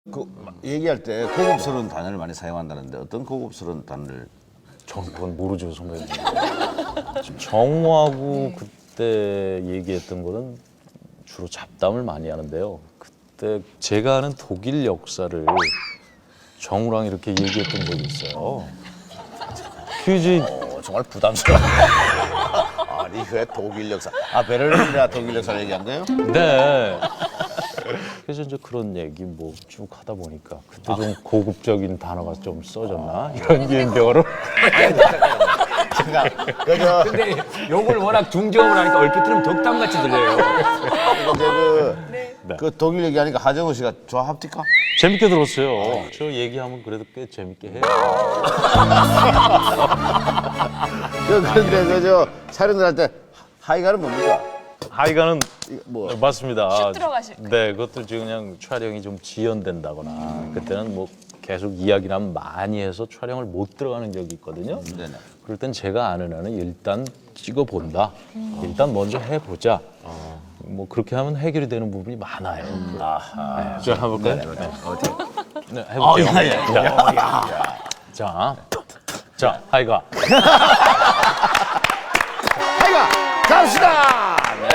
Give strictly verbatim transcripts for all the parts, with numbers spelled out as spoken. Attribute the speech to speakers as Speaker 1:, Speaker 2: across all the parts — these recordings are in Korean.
Speaker 1: 그 얘기할 때 고급스러운 단어를 많이 사용한다는데 어떤 고급스러운 단어를?
Speaker 2: 전 그건 모르죠, 선배님. 정우하고 그때 얘기했던 거는 주로 잡담을 많이 하는데요. 그때 제가 아는 독일 역사를 정우랑 이렇게 얘기했던 적이 있어요. 퀴즈
Speaker 1: 어, 정말 부담스러워. 아니 왜 독일 역사? 아 베를린이라 독일 역사를 얘기한 거예요?
Speaker 2: 네. 그래서 이제 그런 얘기 뭐 쭉 하다 보니까 그때 좀 고급적인 단어가 좀 써졌나 이런 유행병으로.
Speaker 1: 제가 그저
Speaker 3: 근데 욕을 워낙 중저음을 하니까 얼핏 들으면 덕담같이 들려요.
Speaker 1: 이제 그,
Speaker 2: 네.
Speaker 1: 그 독일 얘기하니까 하정우 씨가 좋아합니까?
Speaker 2: 재밌게 들었어요. 저 얘기하면 그래도 꽤 재밌게 해요.
Speaker 1: 그 그런데 그저 촬영을 할 때 하이가는 뭡니까?
Speaker 2: 하이가는
Speaker 1: 뭐
Speaker 2: 맞습니다.
Speaker 4: 슉 들어가실 거예요.
Speaker 2: 네, 그것도 지금 그냥 촬영이 좀 지연된다거나 그때는 뭐 계속 이야기를 많이 해서 촬영을 못 들어가는 적이 있거든요.
Speaker 1: 네네.
Speaker 2: 그럴 땐 제가 아는 한은 일단 찍어본다. 일단 먼저 해보자. 뭐 그렇게 하면 해결이 되는 부분이 많아요.
Speaker 1: 아하.
Speaker 2: 자, 해볼까요?
Speaker 1: 네, 네. 어떻게?
Speaker 2: 네, 해볼게요.
Speaker 1: 야, 야, 야.
Speaker 2: 자, 자, 하이가.
Speaker 1: 하이가 갑시다.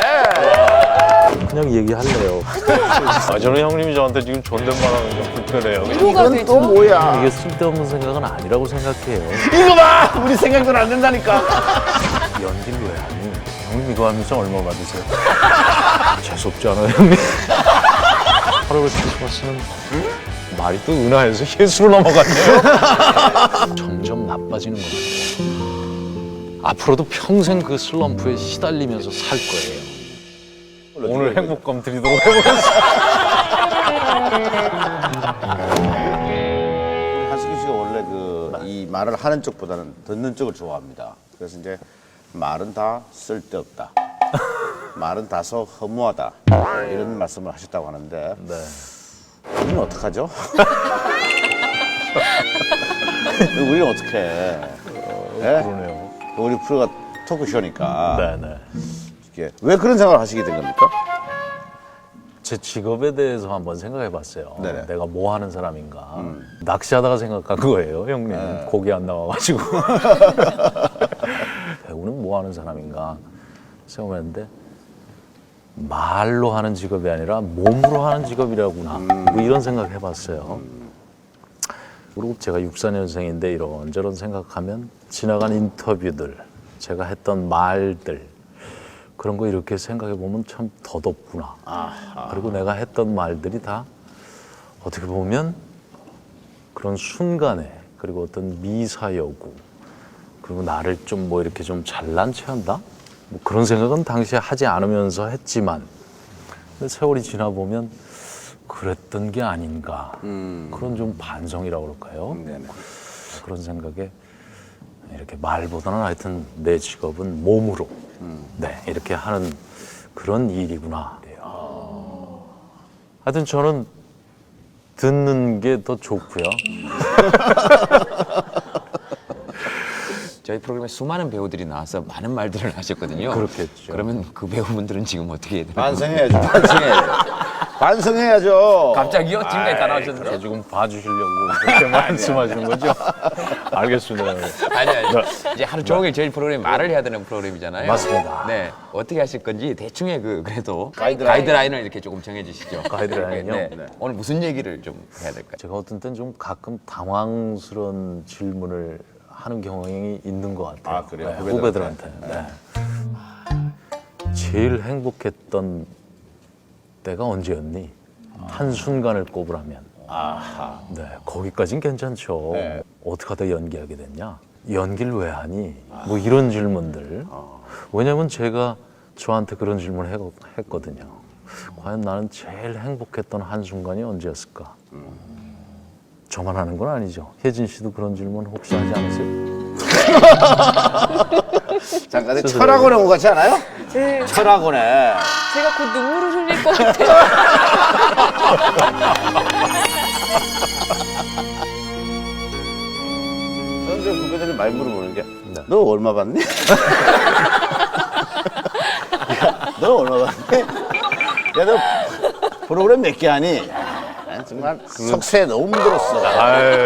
Speaker 2: 그냥 얘기할래요. 아, 저는 형님이 저한테 지금 존댓말하는 게 불편해요.
Speaker 4: 위로가
Speaker 1: 이건 또
Speaker 4: 되죠.
Speaker 1: 뭐야?
Speaker 2: 이게 쓸데없는 생각은 아니라고 생각해요.
Speaker 1: 이거 봐! 우리 생각은 안 된다니까.
Speaker 2: 연기를 왜 하니? 형님 이거 하면서 얼마 받으세요? 재수없지 않아요, 형님? 하루를 크리스마스는 말이 또 은하에서 예수로 넘어갔네요. 점점 나빠지는 것 같아요. 앞으로도 평생 그 슬럼프에 시달리면서 살 거예요. 오늘 행복감 드리도록 해보겠습니다.
Speaker 1: 우리 한승규 씨가 원래 그 이 말을 하는 쪽보다는 듣는 쪽을 좋아합니다. 그래서 이제 말은 다 쓸데없다. 말은 다소 허무하다. 이런 말씀을 하셨다고 하는데
Speaker 2: 네.
Speaker 1: 우리는 어떡하죠? 우리는 어떻게 해? 예?
Speaker 2: 그러네요.
Speaker 1: 우리 프로가 토크쇼니까
Speaker 2: 네네.
Speaker 1: 이게 왜 그런 생각을 하시게 된 겁니까?
Speaker 2: 제 직업에 대해서 한번 생각해 봤어요.
Speaker 1: 네네.
Speaker 2: 내가 뭐 하는 사람인가. 낚시하다가 생각한 거예요, 형님. 고기 안 나와가지고. 배우는 뭐 하는 사람인가 생각했는데 말로 하는 직업이 아니라 몸으로 하는 직업이라구나. 뭐 이런 생각 해봤어요. 그리고 제가 육사 년생인데 이런저런 생각하면 지나간 인터뷰들, 제가 했던 말들 그런 거 이렇게 생각해 보면 참 더덥구나.
Speaker 1: 아하.
Speaker 2: 그리고 내가 했던 말들이 다 어떻게 보면 그런 순간에 그리고 어떤 미사여구 그리고 나를 좀 뭐 이렇게 좀 잘난 체한다? 뭐 그런 생각은 당시에 하지 않으면서 했지만 근데 세월이 지나 보면 그랬던 게 아닌가.
Speaker 1: 음.
Speaker 2: 그런 좀 반성이라고 그럴까요?
Speaker 1: 네네.
Speaker 2: 그런 생각에 이렇게 말보다는 하여튼 내 직업은 몸으로 네 이렇게 하는 그런 일이구나. 하여튼 저는 듣는 게 더 좋고요.
Speaker 3: 저희 프로그램에 수많은 배우들이 나와서 많은 말들을 하셨거든요.
Speaker 2: 그렇겠죠.
Speaker 3: 그러면 그 배우분들은 지금 어떻게 해야 되나요?
Speaker 1: 반성해야죠. 반성해야죠. 반성해야죠.
Speaker 3: 갑자기요? 지금까지 다 나오셨는데.
Speaker 2: 지금 봐주시려고 그렇게 말씀하시는 거죠? 알겠습니다.
Speaker 3: 아니, 아니. 이제 하루 종일 저희 프로그램 말을 해야 되는 프로그램이잖아요.
Speaker 2: 맞습니다.
Speaker 3: 네. 어떻게 하실 건지 대충의 그, 그래도
Speaker 1: 가이드라인.
Speaker 3: 가이드라인을 이렇게 조금 정해주시죠.
Speaker 2: 가이드라인이요?
Speaker 3: 네.
Speaker 1: 네.
Speaker 3: 오늘 무슨 얘기를 좀 해야 될까요?
Speaker 2: 제가 어떤 때는 좀 가끔 당황스러운 질문을 하는 경향이 있는 것 같아요.
Speaker 1: 아, 그래요?
Speaker 2: 네,
Speaker 1: 후배들한테?
Speaker 2: 후배들한테. 네. 제일 행복했던 때가 언제였니? 한 순간을 꼽으라면.
Speaker 1: 아하.
Speaker 2: 네, 거기까진 괜찮죠.
Speaker 1: 네.
Speaker 2: 어떻게 하다 연기하게 됐냐? 연기를 왜 하니? 뭐 이런 질문들. 왜냐면 제가 저한테 그런 질문을 해- 했거든요. 과연 나는 제일 행복했던 한순간이 언제였을까? 저만 하는 건 아니죠. 혜진 씨도 그런 질문 혹시 하지 않으세요?
Speaker 1: 잠깐
Speaker 2: 스스로.
Speaker 1: 철학원에 온 것 같지 않아요?
Speaker 4: 네,
Speaker 1: 철학원에.
Speaker 4: 제가 곧 눈물을 흘릴 것 같아요.
Speaker 1: 저는 저 후배들이 많이 물어보는 게 너 얼마 받니? 야, 너 얼마 받니? 야, 너 프로그램 몇 개 하니? 야, 정말 석쇠 너무 물었어.
Speaker 2: 아유.